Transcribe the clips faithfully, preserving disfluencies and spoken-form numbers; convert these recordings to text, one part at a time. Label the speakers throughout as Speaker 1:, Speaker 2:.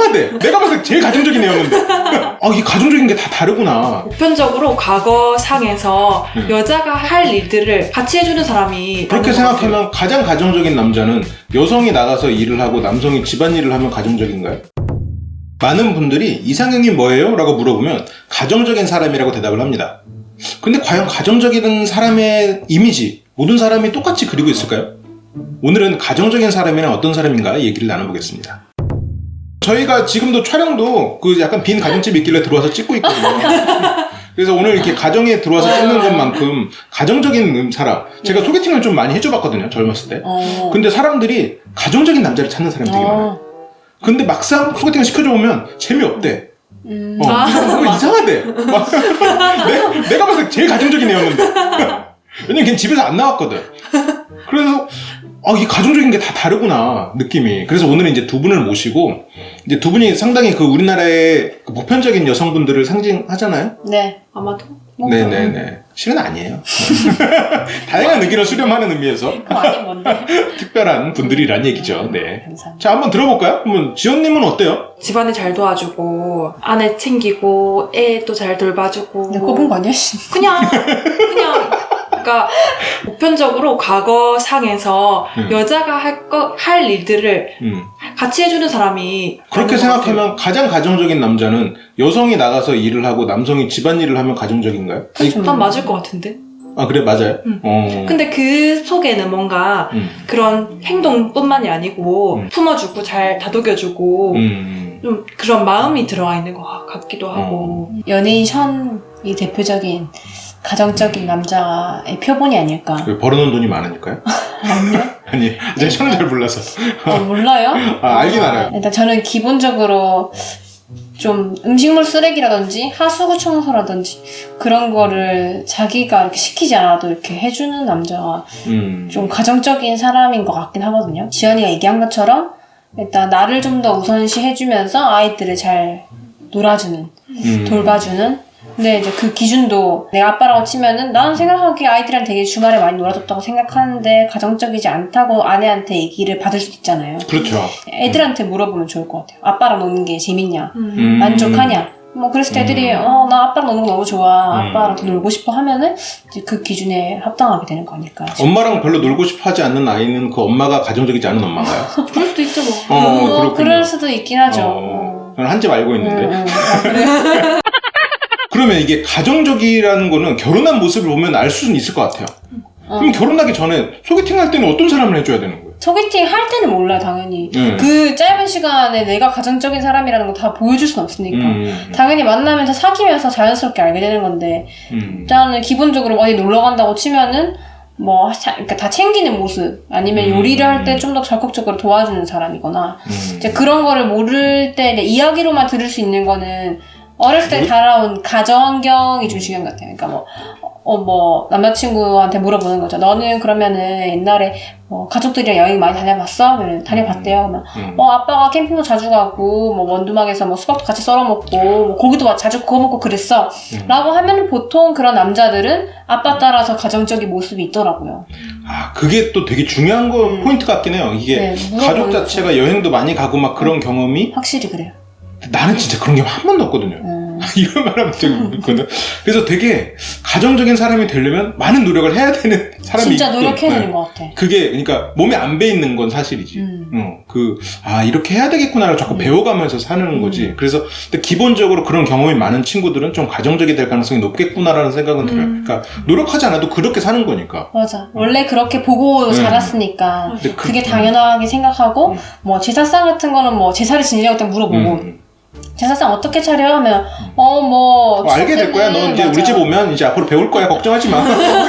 Speaker 1: 이상하대. 내가 봤을 때 제일 가정적인 애였는데. 아, 이게 가정적인 게 다 다르구나.
Speaker 2: 보편적으로 과거상에서 음. 여자가 할 일들을 같이 해주는 사람이
Speaker 1: 그렇게 생각하면 가장 가정적인 남자는 여성이 나가서 일을 하고 남성이 집안일을 하면 가정적인가요? 많은 분들이 이상형이 뭐예요? 라고 물어보면 가정적인 사람이라고 대답을 합니다. 근데 과연 가정적인 사람의 이미지 모든 사람이 똑같이 그리고 있을까요? 오늘은 가정적인 사람이란 어떤 사람인가 얘기를 나눠보겠습니다. 저희가 지금도 촬영도 그 약간 빈 가정집이 있길래 들어와서 찍고 있거든요. 그래서 오늘 이렇게 가정에 들어와서 찍는 것만큼 가정적인 사람, 제가 소개팅을 좀 많이 해줘봤거든요, 젊었을 때. 근데 사람들이 가정적인 남자를 찾는 사람이 되게 많아요. 근데 막상 소개팅을 시켜줘 보면 재미없대. 음. 어, 아, 이상하대. 막 내가, 내가 봤을 때 제일 가정적인 애였는데. 왜냐면 걔는 집에서 안 나왔거든. 그래서 아, 이 가정적인 게 다 다르구나 느낌이. 그래서 오늘은 이제 두 분을 모시고 이제 두 분이 상당히 그 우리나라의 그 보편적인 여성분들을 상징하잖아요.
Speaker 2: 네, 아마도.
Speaker 1: 네네네. 실은 아니에요. 다양한 의견을 수렴하는 의미에서.
Speaker 2: 그거 아닌 뭔데?
Speaker 1: 특별한 분들이란 얘기죠. 네.
Speaker 2: 감사합니다.
Speaker 1: 자, 한번 들어볼까요? 한번 지연님은 어때요?
Speaker 2: 집안에 잘 도와주고 아내 챙기고 애 또 잘 돌봐주고.
Speaker 3: 내가 꼽은 거 아니야?
Speaker 2: 그냥 그냥. 그러니까 보편적으로 과거상에서 음. 여자가 할, 거, 할 일들을 음. 같이 해주는 사람이
Speaker 1: 그렇게 생각하면 가장 가정적인 남자는 여성이 나가서 일을 하고 남성이 집안일을 하면 가정적인가요?
Speaker 2: 난 맞을 것 같은데.
Speaker 1: 아, 그래? 맞아요?
Speaker 2: 음.
Speaker 1: 어.
Speaker 2: 근데 그 속에는 뭔가 음. 그런 행동뿐만이 아니고 음. 품어주고 잘 다독여주고 음. 좀 그런 마음이 들어가 있는 것 같기도 하고.
Speaker 3: 어. 연예인 션이 대표적인 가정적인 남자의 표본이 아닐까.
Speaker 1: 왜 벌어놓은 돈이 많으니까요?
Speaker 3: 아니요.
Speaker 1: 아니, 제가 션을 잘 몰라서.
Speaker 3: 어, 몰라요?
Speaker 1: 아, 알긴 알아요.
Speaker 3: 일단 저는 기본적으로 좀 음식물 쓰레기라든지 하수구 청소라든지 그런 거를 자기가 이렇게 시키지 않아도 이렇게 해주는 남자가 음. 좀 가정적인 사람인 것 같긴 하거든요. 지연이가 얘기한 것처럼 일단 나를 좀 더 우선시 해주면서 아이들을 잘 놀아주는, 음. 돌봐주는. 근데 이제 그 기준도 내가 아빠라고 치면은 나는 생각하기에 아이들이랑 되게 주말에 많이 놀아줬다고 생각하는데 가정적이지 않다고 아내한테 얘기를 받을 수도 있잖아요.
Speaker 1: 그렇죠.
Speaker 3: 애들한테 물어보면 좋을 것 같아요. 아빠랑 노는 게 재밌냐?
Speaker 2: 음.
Speaker 3: 만족하냐? 뭐 그랬을 때 애들이 어, 나 아빠랑 노는 거 너무 좋아. 아빠랑 더 놀고 싶어 하면은 이제 그 기준에 합당하게 되는 거니까.
Speaker 1: 엄마랑 별로 놀고 싶어 하지 않는 아이는 그 엄마가 가정적이지 않은 엄마가요?
Speaker 2: 그럴 수도 있죠 뭐.
Speaker 1: 어,
Speaker 3: 뭐 그럴 수도 있긴 하죠.
Speaker 1: 어, 저는 한 집 알고 있는데.
Speaker 3: 음, 음. 아, 그래?
Speaker 1: 그러면 이게 가정적이라는 거는 결혼한 모습을 보면 알 수는 있을 것 같아요. 어. 그럼 결혼하기 전에 소개팅 할 때는 어떤 사람을 해줘야 되는 거예요?
Speaker 3: 소개팅 할 때는 몰라요, 당연히.
Speaker 1: 음.
Speaker 3: 그 짧은 시간에 내가 가정적인 사람이라는 거 다 보여줄 수는 없으니까.
Speaker 1: 음.
Speaker 3: 당연히 만나면서 사귀면서 자연스럽게 알게 되는 건데, 음. 일단은 기본적으로 어디 놀러 간다고 치면은, 뭐, 자, 그러니까 다 챙기는 모습, 아니면 음. 요리를 할 때 좀 더 적극적으로 도와주는 사람이거나, 음. 이제 그런 거를 모를 때, 이제 이야기로만 들을 수 있는 거는, 어렸을 때 자라온 가정 환경이 좀 중요한 것 같아요. 그러니까 뭐, 어, 뭐, 남자친구한테 물어보는 거죠. 너는 그러면은 옛날에 뭐, 가족들이랑 여행 많이 다녀봤어? 그러면 다녀봤대요. 그러면, 음. 어, 아빠가 캠핑도 자주 가고, 뭐, 원두막에서 뭐, 수박도 같이 썰어 먹고, 뭐, 고기도 자주 구워 먹고 그랬어. 음. 라고 하면은 보통 그런 남자들은 아빠 따라서 가정적인 모습이 있더라고요.
Speaker 1: 아, 그게 또 되게 중요한 거, 음. 포인트 같긴 해요. 이게 네, 가족 자체가 여행도 많이 가고 막 그런 음. 경험이.
Speaker 3: 확실히 그래요.
Speaker 1: 나는 진짜 그런 게 한 번도 없거든요. 음. 이런 말 하면 되게 웃거든. 그래서 되게 가정적인 사람이 되려면 많은 노력을 해야 되는 사람이
Speaker 3: 진짜 노력해야 되는 것 같아.
Speaker 1: 그게 그러니까 몸에 안 배있는 건 사실이지. 음. 어, 그, 아, 이렇게 해야 되겠구나를 자꾸 음. 배워가면서 사는 음. 거지. 그래서 근데 기본적으로 그런 경험이 많은 친구들은 좀 가정적이 될 가능성이 높겠구나라는 생각은 음. 들어요. 그러니까 노력하지 않아도 그렇게 사는 거니까.
Speaker 3: 맞아. 원래 그렇게 보고 음. 자랐으니까 그, 그게 당연하게 생각하고 음. 뭐 제사상 같은 거는 뭐 제사를 지내려고 때 물어보고 음. 제사상 어떻게 차려? 하면 어 뭐
Speaker 1: 어, 알게 될 거야. 너 이제 맞아. 우리 집 오면 이제 앞으로 배울 거야. 걱정하지 마.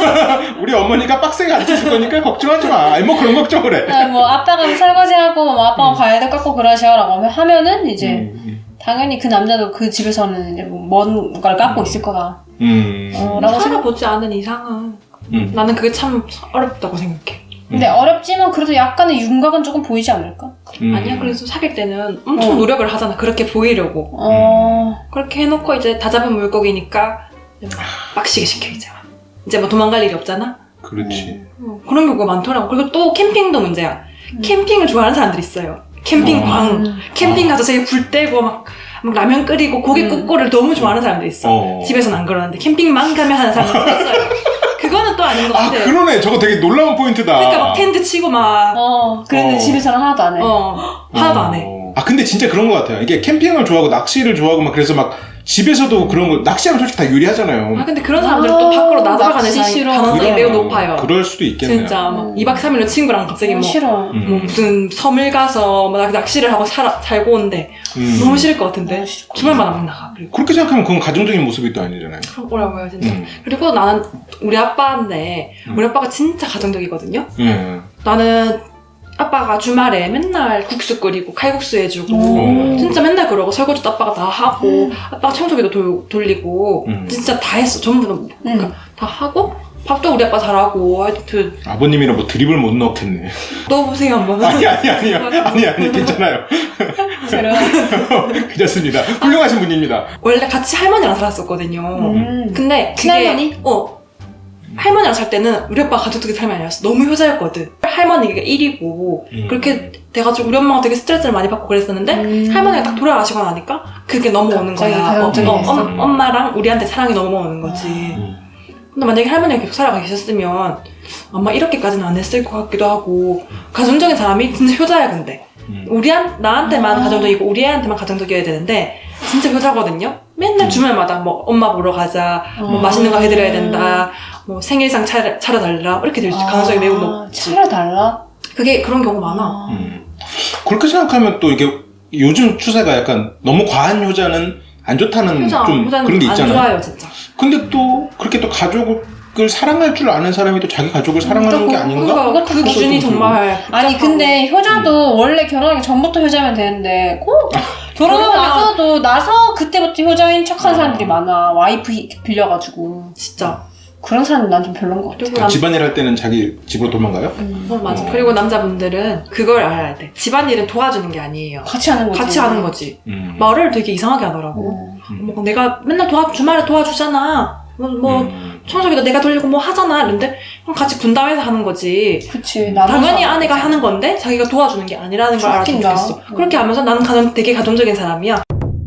Speaker 1: 우리 어머니가 빡세게 가르쳐 줄 거니까 걱정하지 마. 아니 뭐 그런 걱정을 해.
Speaker 3: 아, 뭐 아빠가 설거지하고 뭐 아빠가 음. 과일도 깎고 그러셔라고 하면은 이제 음. 당연히 그 남자도 그 집에서는 이제 뭔가를 깎고 음. 있을 거다.
Speaker 2: 음. 어, 라고 살아보지 않은 이상은 음. 나는 그게 참 어렵다고 생각해.
Speaker 3: 근데 음. 어렵지만 그래도 약간의 윤곽은 조금 보이지 않을까?
Speaker 2: 음. 아니야. 그래서 사귈 때는 엄청 어. 노력을 하잖아. 그렇게 보이려고.
Speaker 3: 어.
Speaker 2: 그렇게 해놓고 이제 다 잡은 물고기니까 빡시게 시켜 이제. 이제 뭐 도망갈 일이 없잖아.
Speaker 1: 그렇지.
Speaker 2: 어. 그런 경우가 많더라고. 그리고 또 캠핑도 문제야. 음. 캠핑을 좋아하는 사람들이 있어요. 캠핑광,
Speaker 3: 음.
Speaker 2: 캠핑 가서 되게 불 떼고 막, 막 라면 끓이고 고기
Speaker 3: 음.
Speaker 2: 굽고를 너무 좋아하는 사람도 있어.
Speaker 1: 어.
Speaker 2: 집에서는 안 그러는데 캠핑만 가면 하는 사람도 있어요. 그거는 또 아닌 것
Speaker 1: 아,
Speaker 2: 같아.
Speaker 1: 그러네. 저거 되게 놀라운 포인트다.
Speaker 2: 그러니까 막 텐트 치고 막,
Speaker 3: 어, 그런데
Speaker 1: 어.
Speaker 3: 집에서는 하나도 안 해.
Speaker 2: 어, 하나도 안 해.
Speaker 1: 어. 아, 근데 진짜 그런 것 같아요. 이게 캠핑을 좋아하고 낚시를 좋아하고 막 그래서 막 집에서도 그런 거, 낚시하면 솔직히 다 유리하잖아요.
Speaker 2: 아, 근데 그런 사람들은 또
Speaker 3: 아,
Speaker 2: 밖으로 나돌아가는
Speaker 3: 낚시
Speaker 2: 사람이
Speaker 3: 싫어.
Speaker 2: 가능성이
Speaker 1: 그럼,
Speaker 2: 매우 높아요.
Speaker 1: 그럴 수도 있겠네요.
Speaker 2: 진짜 막
Speaker 3: 음.
Speaker 2: 이박 삼일로 친구랑 갑자기
Speaker 3: 어,
Speaker 2: 뭐,
Speaker 3: 싫어.
Speaker 1: 음.
Speaker 2: 뭐 무슨 섬을 가서 막 낚시를 하고 살아, 살고 오는데
Speaker 1: 음.
Speaker 2: 너무 싫을 것 같은데
Speaker 3: 너무 싫을 것
Speaker 2: 주말마다 막 나가. 그리고
Speaker 1: 그렇게 생각하면 그건 가정적인 모습이 또 아니잖아요.
Speaker 2: 뭐라고요 진짜.
Speaker 1: 음.
Speaker 2: 그리고 나는 우리 아빠인데
Speaker 1: 음.
Speaker 2: 우리 아빠가 진짜 가정적이거든요.
Speaker 1: 예.
Speaker 2: 나는 아빠가 주말에 맨날 국수 끓이고 칼국수 해주고
Speaker 1: 음.
Speaker 2: 진짜 맨날 그러고 설거지도 아빠가 다 하고 아빠가 청소기도 돌, 돌리고
Speaker 1: 음.
Speaker 2: 진짜 다 했어. 전부 다, 그러니까
Speaker 3: 음.
Speaker 2: 다 하고 밥도 우리 아빠 잘하고 하여튼
Speaker 1: 아버님이라 뭐 드립을 못 넣겠네.
Speaker 2: 넣어보세요 한번.
Speaker 1: 아니, 아니, 아니요. 아니, 아니, 괜찮아요.
Speaker 3: 새로.
Speaker 1: 괜찮습니다. 훌륭하신 분입니다.
Speaker 2: 원래 같이 할머니랑 살았었거든요.
Speaker 3: 음.
Speaker 2: 근데 그게
Speaker 3: 친할머니?
Speaker 2: 어 할머니랑 살 때는 우리 오빠가 가족들이 삶이 아니었어. 너무 효자였거든. 할머니가 일이고
Speaker 1: 음.
Speaker 2: 그렇게 돼가지고 우리 엄마가 되게 스트레스를 많이 받고 그랬었는데
Speaker 3: 음.
Speaker 2: 할머니가 딱 돌아가시고 나니까 그게 넘어오는
Speaker 3: 갑자기
Speaker 2: 거야. 어,
Speaker 3: 가정적이
Speaker 2: 어,
Speaker 3: 됐어.
Speaker 2: 엄, 엄마랑 우리한테 사랑이 넘어오는 거지.
Speaker 1: 음.
Speaker 2: 근데 만약에 할머니가 계속 살아가 계셨으면 아마 이렇게까지는 안 했을 것 같기도 하고 가정적인 사람이 진짜 효자야 근데.
Speaker 1: 음.
Speaker 2: 우리한 나한테만
Speaker 3: 아.
Speaker 2: 가정적이고 우리 애한테만 가정적이어야 되는데 진짜 효자거든요. 맨날
Speaker 1: 음.
Speaker 2: 주말마다 뭐 엄마 보러 가자, 뭐
Speaker 3: 아.
Speaker 2: 맛있는 거 해드려야 된다, 뭐 생일상 차려, 차려달라 이렇게 될 수 가능성이 매우 높지.
Speaker 3: 차려달라?
Speaker 2: 그게 그런 경우 많아.
Speaker 1: 음. 그렇게 생각하면 또 이게 요즘 추세가 약간 너무 과한 효자는 안 좋다는
Speaker 2: 효자,
Speaker 1: 좀
Speaker 2: 효자는
Speaker 1: 그런 게
Speaker 2: 안
Speaker 1: 있잖아요.
Speaker 2: 좋아요 진짜.
Speaker 1: 근데 또 그렇게 또 가족을 사랑할 줄 아는 사람이 또 자기 가족을 사랑하는 게 아닌가?
Speaker 2: 그러니까 그 기준이 정말
Speaker 3: 아니
Speaker 2: 복잡하고.
Speaker 3: 근데 효자도 원래 결혼하기 전부터 효자면 되는데 꼭 결혼하고
Speaker 2: 결혼하면-
Speaker 3: 나서도 나서 그때부터 효자인 척하는 사람들이 많아. 와이프 빌려가지고
Speaker 2: 진짜.
Speaker 3: 그런 사람은 난 좀 별론 것 같아.
Speaker 2: 그리고
Speaker 1: 아,
Speaker 2: 남,
Speaker 1: 집안일 할 때는 자기 집으로 도망가요?
Speaker 3: 음.
Speaker 2: 어, 맞아.
Speaker 1: 어.
Speaker 2: 그리고 남자분들은 그걸 알아야 돼. 집안일은 도와주는 게 아니에요.
Speaker 3: 같이 하는 거지.
Speaker 2: 같이 하는 거지.
Speaker 1: 음.
Speaker 2: 말을 되게 이상하게 하더라고.
Speaker 3: 음.
Speaker 1: 음.
Speaker 2: 뭐 내가 맨날 도와 주말에 도와주잖아. 뭐, 뭐
Speaker 1: 음.
Speaker 2: 청소기도 내가 돌리고 뭐 하잖아. 이런데 그럼 같이 분담해서 하는 거지.
Speaker 3: 그치. 나눠서
Speaker 2: 당연히
Speaker 3: 하는
Speaker 2: 아내가
Speaker 3: 거지.
Speaker 2: 하는 건데 자기가 도와주는 게 아니라는 걸 알았으면
Speaker 3: 웃긴다.
Speaker 2: 좋겠어.
Speaker 3: 음.
Speaker 2: 그렇게 하면서 나는 가정, 되게 가정적인 사람이야.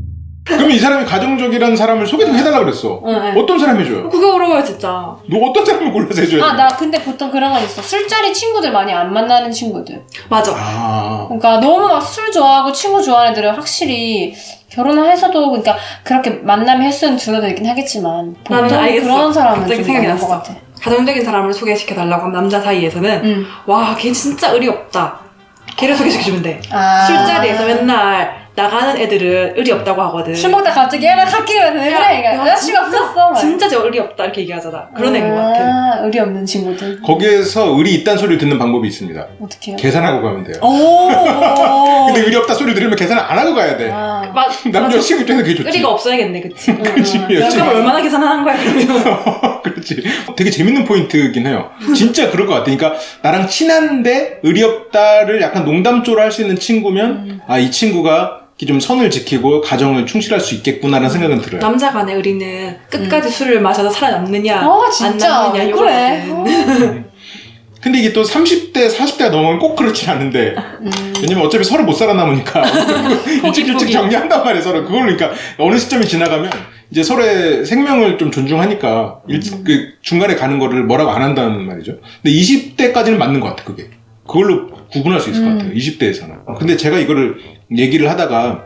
Speaker 1: 그러면 이 사람이 가정적이라는 사람을 소개 좀 해달라 그랬어.
Speaker 3: 응, 응.
Speaker 1: 어떤 사람 해줘요?
Speaker 2: 그게 어려워요 진짜.
Speaker 1: 너 어떤 사람을 골라서 해줘야 돼?
Speaker 3: 아, 나 근데 보통 그런 건 있어. 술자리 친구들 많이 안 만나는 친구들.
Speaker 2: 맞아.
Speaker 1: 아.
Speaker 3: 그러니까 너무 막 술 좋아하고 친구 좋아하는 애들은 확실히 결혼을 해서도 그러니까 그렇게 만남의 횟수는 줄어들긴 하겠지만
Speaker 2: 나는
Speaker 3: 보통
Speaker 2: 알겠어.
Speaker 3: 그런 사람은
Speaker 2: 갑자기
Speaker 3: 좀
Speaker 2: 생각이
Speaker 3: 많은 것
Speaker 2: 났어.
Speaker 3: 같아.
Speaker 2: 가정적인 사람을 소개시켜달라고 하면 남자 사이에서는
Speaker 3: 응.
Speaker 2: 와 걔 진짜 의리 없다. 걔를 소개시켜주면 돼.
Speaker 3: 아.
Speaker 2: 술자리에서 맨날 나가는 애들은 의리 없다고 하거든.
Speaker 3: 술 먹다 갑자기 얘랑 갓기면 왜
Speaker 2: 야,
Speaker 3: 그래? 그러니까
Speaker 2: 야,
Speaker 3: 여자친구
Speaker 2: 진짜-
Speaker 3: 없었어. 막.
Speaker 2: 진짜 저 의리 없다 이렇게 얘기하잖아. 그런 애인 것 같아.
Speaker 3: 아, 의리 없는 친구들.
Speaker 1: 거기에서 의리 있다는 소리를 듣는 방법이 있습니다.
Speaker 3: 어떻게 해요?
Speaker 1: 계산하고 가면 돼요.
Speaker 3: 오.
Speaker 1: 근데 의리 없다 소리를 들으면 계산을 안 하고 가야 돼.
Speaker 3: 아.
Speaker 2: 맞,
Speaker 1: 남자 친구 입장에서 그게 좋지.
Speaker 2: 의리가 없어야겠네, 그치?
Speaker 3: 응, 응,
Speaker 1: 그치,
Speaker 3: 응.
Speaker 1: 그치.
Speaker 2: 그럼 얼마나 계산하는 거야, 그러면?
Speaker 1: 그렇지. 되게 재밌는 포인트긴 해요. 진짜 그럴 것 같아. 그러니까 나랑 친한데 의리 없다를 약간 농담조로 할 수 있는 친구면
Speaker 3: 음.
Speaker 1: 아, 이 친구가 이렇게 좀 선을 지키고 가정을 충실할 수 있겠구나라는 생각은 들어요.
Speaker 2: 남자 간의 의리는 끝까지 술을 마셔서 살아남느냐,
Speaker 3: 아, 진짜.
Speaker 2: 안 남느냐,
Speaker 3: 왜 그래?
Speaker 2: 이거거든.
Speaker 1: 근데 이게 또 삼십 대, 사십 대가 넘으면 꼭 그렇진 않은데
Speaker 3: 음.
Speaker 1: 왜냐면 어차피 서로 못 살아남으니까 일찍 일찍
Speaker 2: 포기.
Speaker 1: 정리한단 말이에요 서로. 그걸 그러니까 어느 시점이 지나가면 이제 서로의 생명을 좀 존중하니까 일찍
Speaker 3: 음.
Speaker 1: 그 중간에 가는 거를 뭐라고 안 한다는 말이죠. 근데 이십 대까지는 맞는 것 같아 그게. 그걸로 구분할 수 있을
Speaker 3: 음.
Speaker 1: 것 같아요. 이십 대에서는. 근데 제가 이거를 얘기를 하다가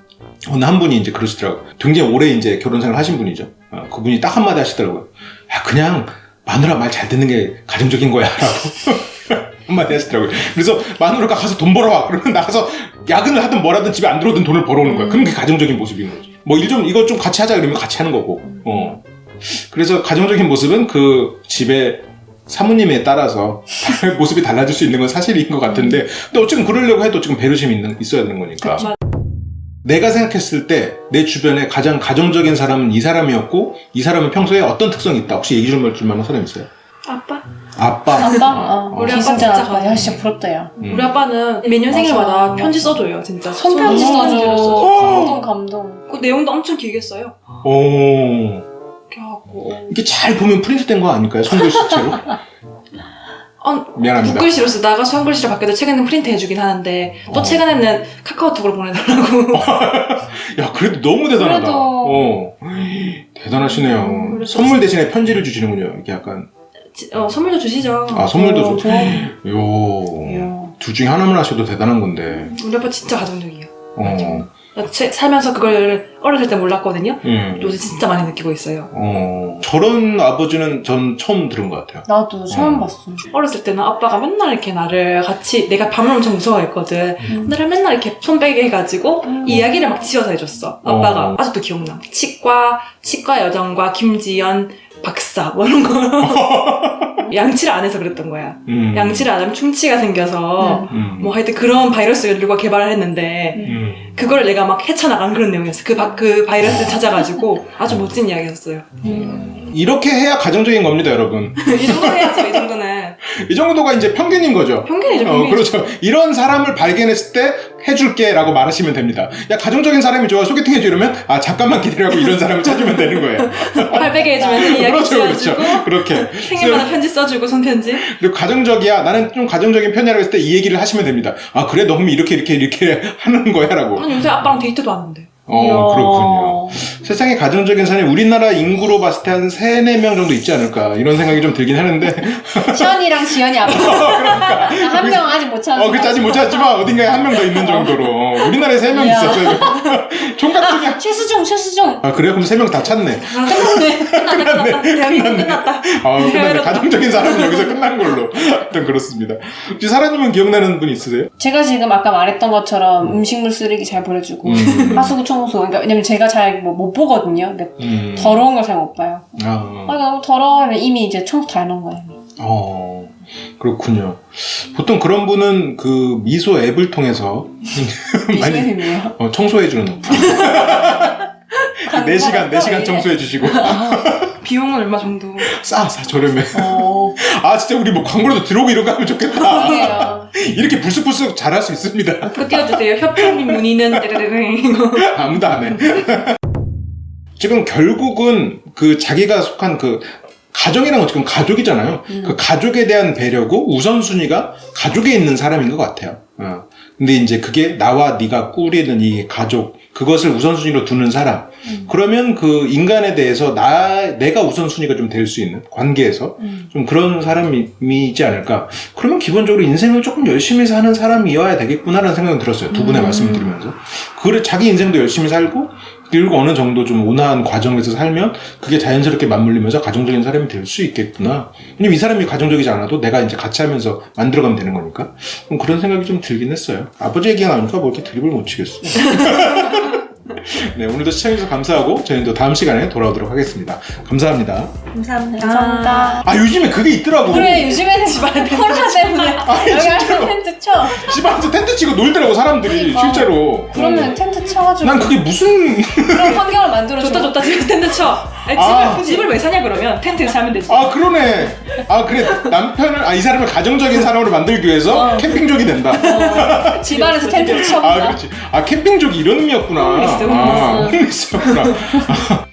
Speaker 1: 어느 한 분이 이제 그러시더라고요. 굉장히 오래 이제 결혼 생활 하신 분이죠. 어, 그분이 딱 한마디 하시더라고요. 야, 그냥 마누라 말 잘 듣는 게 가정적인 거야. 라고 한마디 하시더라고요. 그래서 마누라가 가서 돈 벌어와. 그러면 나가서 야근을 하든 뭘 하든 집에 안 들어오든 돈을 벌어오는 거야. 그럼 그게 가정적인 모습인 거지. 뭐 일 좀, 이거 좀 같이 하자 그러면 같이 하는 거고. 어. 그래서 가정적인 모습은 그 집에 사모님에 따라서 모습이 달라질 수 있는 건 사실인 것 같은데, 근데 어쨌든 그러려고 해도 지금 배려심이 있는, 있어야 되는 거니까.
Speaker 2: 그쵸.
Speaker 1: 내가 생각했을 때 내 주변에 가장 가정적인 사람은 이 사람이었고, 이 사람은 평소에 어떤 특성이 있다. 혹시 얘기 좀 해줄 만한 사람 있어요?
Speaker 2: 아빠?
Speaker 1: 아빠.
Speaker 3: 아빠? 어.
Speaker 2: 우리 아빠
Speaker 3: 기승전
Speaker 2: 진짜
Speaker 3: 아빠. 야,
Speaker 2: 가정이야.
Speaker 3: 진짜 부럽다, 야.
Speaker 1: 음.
Speaker 2: 우리 아빠는 매년 생일마다
Speaker 3: 맞아.
Speaker 2: 편지 써줘요, 진짜.
Speaker 3: 손편지
Speaker 2: 손편지를
Speaker 3: 써줘.
Speaker 2: 써줘.
Speaker 3: 감동, 감동.
Speaker 2: 그 내용도 엄청 길게 써요.
Speaker 1: 오.
Speaker 2: 이렇게 하고.
Speaker 1: 이게 잘 보면 프린트된 거 아닐까요? 손글씨체로?
Speaker 2: 어,
Speaker 1: 미안합니다.
Speaker 2: 붓글씨로 쓰다가 수험글씨로 바뀌어도 최근에는 프린트 해주긴 하는데 또
Speaker 1: 어.
Speaker 2: 최근에는 카카오톡으로 보내달라고.
Speaker 1: 야, 그래도 너무 대단하다.
Speaker 3: 그래도-
Speaker 1: 어. 대단하시네요.
Speaker 2: 음, 그래서
Speaker 1: 선물 대신에 편지를 주시는군요. 이게 약간.
Speaker 2: 지- 어, 선물도 주시죠.
Speaker 1: 아, 선물도
Speaker 3: 어,
Speaker 1: 줘.
Speaker 3: 좋아.
Speaker 1: 요.
Speaker 3: 이야.
Speaker 1: 둘 중에 하나만 하셔도 대단한 건데.
Speaker 2: 우리 아빠 진짜 가정적이에요.
Speaker 1: 어.
Speaker 2: 나 체- 살면서 그걸 어렸을 때 몰랐거든요.
Speaker 1: 음.
Speaker 2: 요새 진짜 많이 느끼고 있어요.
Speaker 1: 어. 저런 아버지는 전 처음 들은 것 같아요.
Speaker 3: 나도 처음
Speaker 1: 어.
Speaker 3: 봤어.
Speaker 2: 어렸을 때는 아빠가 맨날 이렇게 나를 같이, 내가 밤을 엄청 무서워했거든.
Speaker 3: 음.
Speaker 2: 나를 맨날 이렇게 손베개 해가지고
Speaker 3: 음.
Speaker 2: 이야기를 막 지어서 해줬어. 아빠가.
Speaker 1: 어.
Speaker 2: 아직도 기억나. 치과, 치과 여정과 김지연 박사 뭐 이런 거. 양치를 안 해서 그랬던 거야.
Speaker 1: 음.
Speaker 2: 양치를 안 하면 충치가 생겨서
Speaker 1: 음.
Speaker 2: 뭐 하여튼 그런 바이러스를 누가 개발을 했는데
Speaker 1: 음.
Speaker 2: 그걸 내가 막 헤쳐나간 그런 내용이었어. 그, 바, 그 바이러스를 찾아가지고 아주 멋진 이야기였어요.
Speaker 3: 음.
Speaker 1: 이렇게 해야 가정적인 겁니다, 여러분.
Speaker 2: 이 정도는 해야죠, 이 정도는.
Speaker 1: 이 정도가 이제 평균인 거죠.
Speaker 2: 평균이죠,
Speaker 1: 어,
Speaker 2: 평균이죠.
Speaker 1: 그렇죠. 이런 사람을 발견했을 때 해줄게 라고 말하시면 됩니다. 야, 가정적인 사람이 좋아, 소개팅 해줘 이러면, 아, 잠깐만 기다리라고 이런 사람을 찾으면 되는 거예요.
Speaker 2: 팔베개 해주면서 이야기
Speaker 1: 그렇죠,
Speaker 2: 지어주고
Speaker 1: 그렇죠. 그렇게.
Speaker 2: 생일마다 편지 써주고 손편지.
Speaker 1: 그리고 가정적이야, 나는 좀 가정적인 편이라고 했을 때 이 얘기를 하시면 됩니다. 아, 그래? 너 그럼 이렇게, 이렇게, 이렇게 하는 거야? 라고.
Speaker 2: 저는 요새 아빠랑 데이트도 하는데.
Speaker 1: 어,
Speaker 3: 이야.
Speaker 1: 그렇군요. 세상에 가정적인 사람이 우리나라 인구로 봤을 때 한 세, 네 명 정도 있지 않을까. 이런 생각이 좀 들긴 하는데.
Speaker 3: 시연이랑 지연이 앞에 한 명 아직 못 찾았어.
Speaker 1: 어, 그치, 아직 못 찾았지만 어딘가에 한 명 더 있는 정도로. 어, 우리나라에 세 명
Speaker 3: 이야.
Speaker 1: 있었어요. 총각 중에.
Speaker 3: 최수종, 최수종.
Speaker 1: 아, 그래요? 그럼 세 명 다 찾네.
Speaker 3: 끝났네.
Speaker 2: 끝났다, 끝났다. 대한민국 끝났다.
Speaker 1: 아, 끝났네. 가정적인 사람은 여기서 끝난 걸로. 하여튼 그렇습니다. 혹시 사라님은 기억나는 분 있으세요?
Speaker 3: 제가 지금 아까 말했던 것처럼 음식물 쓰레기 잘 버려주고
Speaker 1: 음.
Speaker 3: 하수구 청소. 그러니까 왜냐면 제가 잘 못 보거든요. 그러니까
Speaker 1: 음.
Speaker 3: 더러운 걸 잘 못 봐요.
Speaker 1: 아,
Speaker 3: 아, 너무 더러워 하면 이미 이제 청소 다 해놓은 거예요.
Speaker 1: 어, 그렇군요. 보통 그런 분은 그 미소 앱을 통해서 많이
Speaker 3: 미소님이에요.
Speaker 1: 어, 청소해주는. 네 시간, 네 시간 청소해주시고.
Speaker 2: 비용은 얼마 정도?
Speaker 1: 싸, 싸, 저렴해.
Speaker 3: 어,
Speaker 1: 아, 진짜 우리 뭐 광고라도 들어오고 이런 거 하면 좋겠다.
Speaker 3: 그게요.
Speaker 1: 이렇게 불쑥불쑥 잘할 수 있습니다.
Speaker 2: 그거 띄워주세요. 협찬 및 문의는 띠르르르 이거.
Speaker 1: 아무도 안 해. 지금 결국은 그 자기가 속한 그 가정이란 건 지금 가족이잖아요.
Speaker 3: 음.
Speaker 1: 그 가족에 대한 배려고 우선순위가 가족에 있는 사람인 것 같아요. 어. 근데 이제 그게 나와 네가 꾸리는 이 가족, 그것을 우선순위로 두는 사람.
Speaker 3: 음.
Speaker 1: 그러면 그 인간에 대해서 나, 내가 우선순위가 좀 될 수 있는 관계에서
Speaker 3: 음.
Speaker 1: 좀 그런 사람이지 않을까. 그러면 기본적으로 인생을 조금 열심히 사는 사람이어야 되겠구나라는 생각은 들었어요. 두 분의
Speaker 3: 음.
Speaker 1: 말씀을 들으면서. 그래, 자기 인생도 열심히 살고, 그리고 어느 정도 좀 온화한 과정에서 살면 그게 자연스럽게 맞물리면서 가정적인 사람이 될 수 있겠구나. 왜냐면 이 사람이 가정적이지 않아도 내가 이제 같이 하면서 만들어가면 되는 거니까. 그럼 그런 생각이 좀 들긴 했어요. 아버지 얘기가 나오니까 뭐 이렇게 드립을 못 치겠어. 네, 오늘도 시청해주셔서 감사하고 저희는 또 다음 시간에 돌아오도록 하겠습니다. 감사합니다.
Speaker 3: 감사합니다.
Speaker 2: 감사합니다.
Speaker 1: 아, 요즘에 그게 있더라고.
Speaker 3: 그래, 요즘에는 코로나 때문에 여기 안에 텐트 쳐.
Speaker 1: 집안에서 텐트 치고 놀더라고, 사람들이.
Speaker 3: 그러니까.
Speaker 1: 실제로.
Speaker 3: 그러면
Speaker 1: 어.
Speaker 3: 텐트 쳐가지고
Speaker 1: 난 그게 무슨.
Speaker 3: 그런 환경을 만들어줘.
Speaker 2: 좋다 좋다 지금 텐트 쳐. 아니,
Speaker 1: 아.
Speaker 2: 집을, 집을 왜 사냐 그러면 텐트에서 살면 되지.
Speaker 1: 아, 그러네. 아, 그래. 남편을, 아, 이 사람을 가정적인 사람으로 만들기 위해서
Speaker 3: 어.
Speaker 1: 캠핑족이 된다.
Speaker 3: 어, 집안에서 텐트를
Speaker 1: 아,
Speaker 3: 쳐본다.
Speaker 1: 그렇지. 아, 캠핑족이 이런 의미였구나.
Speaker 2: 홈리스,
Speaker 1: 아, 홈리스였구나.